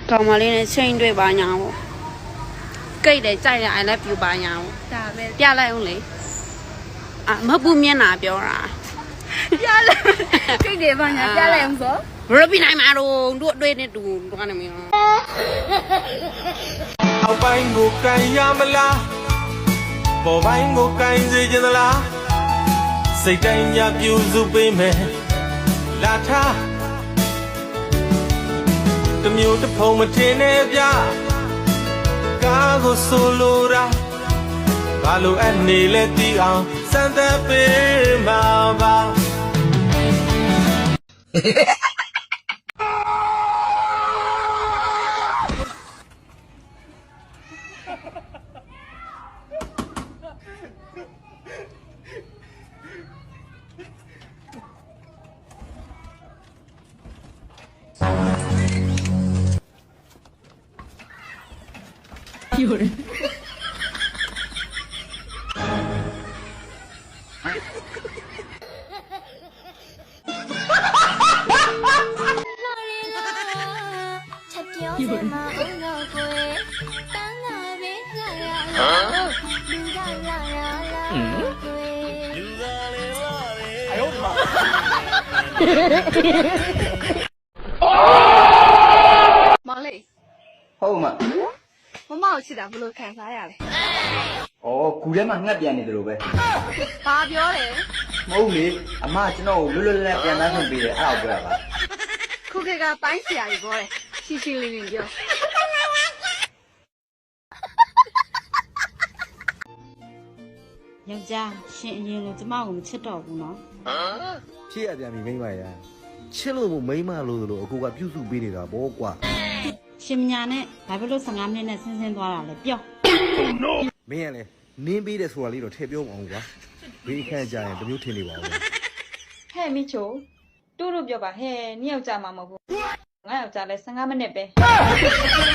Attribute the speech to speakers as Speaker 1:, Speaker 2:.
Speaker 1: ကောင်မလေးနဲ့ချိန်တွေ့ပါညာပေါ့ကိတ်တယ်ကြိုက်တယ် I love you ပါညာပေါ့ဒါပဲပြလိုက်အောင်လေမဟုတ်ဘူးမျက်နှာပြောတာပြလိုက်ကိတ်တယ်ပါညာပြလိုက်အောင်ဆိုဘယ်လိုပြနိုင်မှာတော့တို့အတွေ့နဲ့တူတော့နေမင်း
Speaker 2: အောက်ပိုင်းကိုကန်ရမလားပေါ်ပိုင်းကိုကန်စေချင်သလားစိတ်တိုင်းညပြူစုပေးမယ်လာထားတမျိုးတစ်ဖုံမထင်နဲ့ဗျကားကိုဆိုလိုတာဘာလို့အနေလဲတီးအောင်စမ်းသပ်ပေးမှာပါ
Speaker 1: 有人。有人。哎呦我的妈！毛嘞。
Speaker 3: ဟုတ်မှာ
Speaker 1: မမကိုချစ်တာဘယ်လိုခံစားရလဲ
Speaker 3: ။အော်ကူထဲမှာငှက်ပြန်နေတယ်လို့ပဲ
Speaker 1: ။ဘာပြောလဲ
Speaker 3: ။မဟုတ်လေအမကျွန်တော်ကိုလွတ်လွတ်လပ်လပ်ပြန်သားခွင့်ပေးတယ်အဲ့ဒါကိုပြောတာပါ
Speaker 1: ။ခုခေတ်ကပိုင်းဆရာကြီးပြောတယ်။ရှင်းရှင်းလင်းလင်းပြော။ယောက်ျားရှင်အရင်ကကျမကိုမချစ်တော့ဘူးနော်
Speaker 4: ။ဖြစ်ရပြန်ပြီမိမရ။ချစ်လို့မို့မိမလို့လို့အခုကပြုစုပေးနေတာပေါ့ကွာ။
Speaker 1: ရှင်မညာနဲ့ဘာဖြစ်လို့15မိနစ်နဲ့ဆင်းသွားတာလဲပြော
Speaker 4: မင်းကလည်းနင်းပေးတယ်ဆိုတာလေးတော့ထည့်ပြောမအောင်ကွာဘေးခန့်ကြရင်တမျိုးထင်နေပါဦး
Speaker 5: ဟဲ့မိချိုတူတူပြောပါဟဲ့နှစ်ယောက်ကြာမှာမဟုတ်ဘူးငါယောက်ကြာလဲ15မိနစ်ပဲ